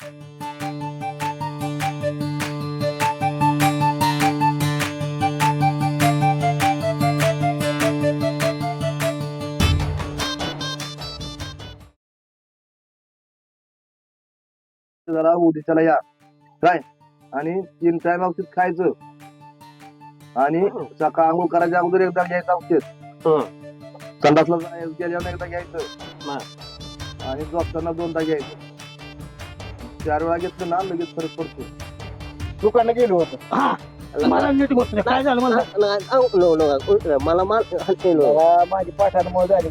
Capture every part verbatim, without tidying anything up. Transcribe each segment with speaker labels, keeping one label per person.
Speaker 1: जरा उद्याच्याला या काय आणि तीन टाइम औषध खायचं आणि सकाळ आंघोळ करायच्या अगोदर एकदा घ्यायचं औषध, संडासला गेल्यावर एकदा घ्यायचं आणि झोपताना दोनदा घ्यायचं. चार वेळा घेतलं ना लगेच फरक पडतो.
Speaker 2: दुकानला गेलो होतो
Speaker 3: मला नीट बसलं काय झालं मला
Speaker 4: मला
Speaker 2: माझी पाठांमुळे झाली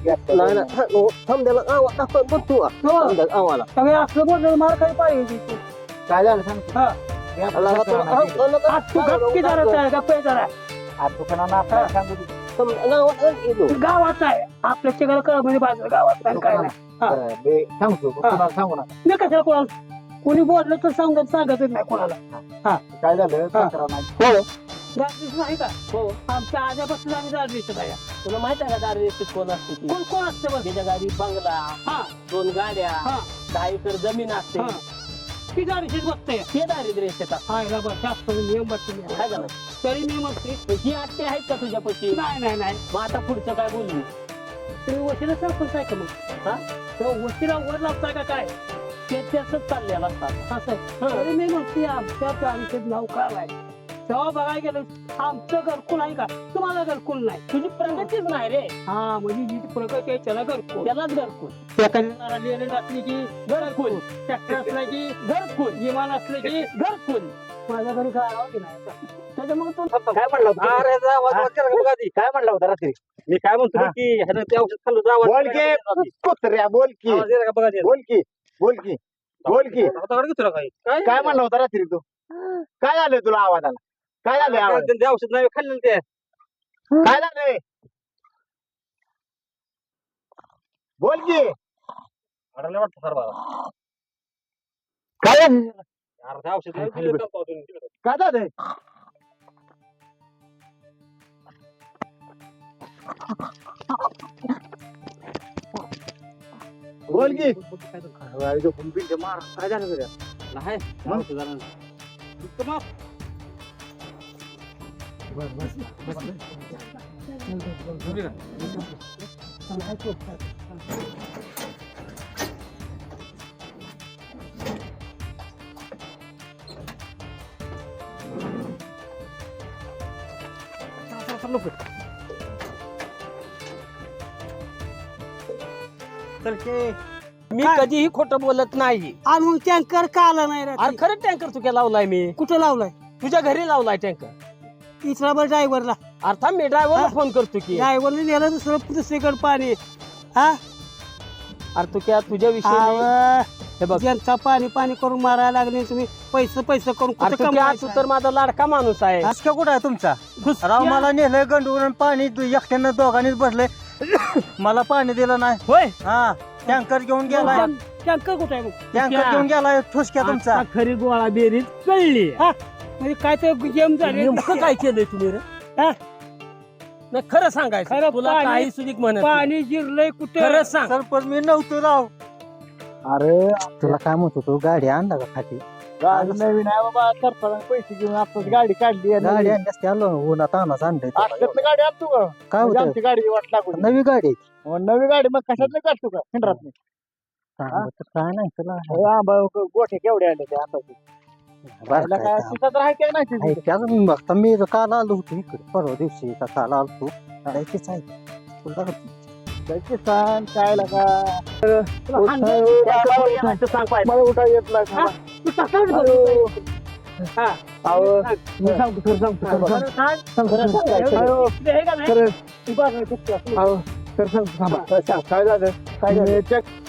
Speaker 4: आम्हाला
Speaker 3: सगळे असलं बोललं मला काही पाहिजे
Speaker 2: काय झालं सांगतो
Speaker 3: तू गप्पी जरा गप्पे जरा
Speaker 2: दुकानाला आपल्याला सांगू दे.
Speaker 3: गावात आहे आपल्या चिघाला कळ म्हणजे बाजार गावात काय काय नाही.
Speaker 2: बरं, बे- सांगतो कोणाला सांगू नका.
Speaker 3: मी कशाला कोणाला कोणी बोललं तर सांगत सांगतच नाही कोणाला.
Speaker 2: काय झालं तक्रार नाही.
Speaker 3: गाडीच नाही का हो आमच्या आजपासून आम्ही गाडीच आहे.
Speaker 4: तुला माहित आहे का दारू कोण असते ती?
Speaker 3: कोण कोण असते बघ
Speaker 4: त्याच्या गाडी बंगला
Speaker 3: हा
Speaker 4: दोन गाड्या
Speaker 3: हा
Speaker 4: दहा एकर जमीन असते
Speaker 3: हा. ती गाडीशीच बघते
Speaker 4: ते दारिद्र्य शेतात
Speaker 3: हाय बाबा जास्त नियम बसते
Speaker 4: काय झालं
Speaker 3: तरी मी म्हणते
Speaker 4: ही आत्ते आहेत का तुझ्यापाशी?
Speaker 3: नाही नाही नाही
Speaker 4: मग आता पुढचं काय बोलली?
Speaker 3: तुम्ही वशिला सरपंच आहे का मग
Speaker 4: हा
Speaker 3: तेव्हा वशिला वर लावताय का काय
Speaker 4: ते त्याच चाललेलं असतात.
Speaker 3: असं आहे. तरी मी म्हणते आमच्या गाडीचं नाव काय आहे तेव्हा बघायला गेलं आमचं घरकुल आहे का तुम्हाला घरकुल नाही.
Speaker 4: तुझी प्रगतीच नाही रे.
Speaker 3: हा म्हणजे जी प्रगती आहे त्याला घरकुल
Speaker 4: त्यालाच घरकुल
Speaker 3: एखाद्या लिहिलेलं असले की घरकुल ट्रॅक्टर असलं की घरकुल विमान असलं की घरकुल. माझ्या घरी काय आहो की नाही त्याच्यामुळे तो
Speaker 2: काय म्हणलं होतं?
Speaker 1: अरे जा, वाज- वाज केला का बघा आधी?
Speaker 2: काय म्हणलं होतं रात्री?
Speaker 1: मी काय म्हणतो
Speaker 2: हा.
Speaker 1: की ह्यानं ते औषध खाल्लं जा, वाज
Speaker 2: बोल
Speaker 1: केला का
Speaker 2: की कुत्र्या बोल की
Speaker 1: आवाज येला का बघा आधी?
Speaker 2: बोल की बोल की बोल की
Speaker 1: आता कडे तुला काय काय
Speaker 2: काय म्हणलं होतं रात्री तू? काय झालं तुला आवाजाला? काय झालं आवाज?
Speaker 1: ते- ते औषध नाही खाल्लेलं ते
Speaker 2: काय झालंय? बोल की
Speaker 1: अडलं वाटतं सर बाबा.
Speaker 2: काय झालं?
Speaker 1: अरे ते औषध नाही दिलं का पावसाने तिकडं?
Speaker 2: काय झालंय? बोल की मार काय झालं तुझ्या?
Speaker 1: नाही
Speaker 2: मग?
Speaker 1: औषधानं.
Speaker 4: मी कधीही खोटं बोलत नाही.
Speaker 3: आणि मग टँकर का आला नाही
Speaker 4: अरे
Speaker 3: रात्री?
Speaker 4: खरं टँकर तुझ्या लावलाय मी.
Speaker 3: कुठं लावलाय
Speaker 4: तुझ्या घरी लावलाय टँकर.
Speaker 3: इस्राबर ड्रायव्हरला
Speaker 4: अर्थात मी ड्रायव्हरला फोन करतो की
Speaker 3: ड्रायव्हरने नेलं दुसरं दुसरीकडे पाणी हा
Speaker 4: अरे तू क्या तुझ्या विषयी
Speaker 3: अहो,
Speaker 4: हे बघ
Speaker 3: जनता पाणी पाणी करून मारायला लागले तुम्ही पैसे पैसे करून
Speaker 4: अरे
Speaker 3: कुठं
Speaker 4: तू क्या
Speaker 3: कमवायचं?
Speaker 4: तू तर माझा लाडका माणूस आहे.
Speaker 2: आजका कुठं आहे तुमचा?
Speaker 3: घुस-
Speaker 2: राव मला नेलंय गंडून पाणी तू एकट्यानं दोघांनीच बसले मला पाणी दिलं नाही.
Speaker 4: होय
Speaker 2: हा टँकर घेऊन गेलाय.
Speaker 3: टँक- टँकर कुठं आहे मग?
Speaker 2: टँकर घेऊन गेलाय ठुसक्या तुमचा.
Speaker 4: आता खरी गोळा बेरीज कळली.
Speaker 3: हा, म्हणजे काय ते गेम झाले
Speaker 4: नेमकं काय केलंय तुम्ही रे?
Speaker 3: हा?
Speaker 4: नाही खरं सांगायचं
Speaker 3: खरं
Speaker 4: तुला
Speaker 3: पाणी-
Speaker 4: काही सुधीक म्हणत नाही.
Speaker 3: पाणी जिरलंय कुठे
Speaker 4: खरं सांग.
Speaker 2: सरपंच मी नव्हतो राव. अरे तुला काय म्हणतो तू गाडी आणला का खाती? गाडी नवीन आहे बाबा सरपंच पैसे घेऊन आपण गाडी काढली गाडी आणली आलो उन्हात आणच आणलं गाडी आणतो का काय होतं आमची गाडी वाट लागू नवी गाडी नवी गाडी मग कशात काढतो का खंडरात काय नाही तुला गोठे केवढे आले ते आता बघता मी काल आलो होतो इकडे परवा दिवशी का काल आलो जायचीच आहे तुला जायची सांग काय लागा मला उठा येत नाही
Speaker 3: तू तसाच
Speaker 2: अहो.
Speaker 3: हा.
Speaker 2: अहो, मी सांगतो खरं सांगतो खरं
Speaker 3: खरं सांग.
Speaker 2: खरं सांगायचं.
Speaker 3: अहो, ते हे का नाही?
Speaker 2: खरं
Speaker 3: तू बघ, तू-
Speaker 2: अहो, खरं सांगतो थांबा. काय झालं काय झालं चेक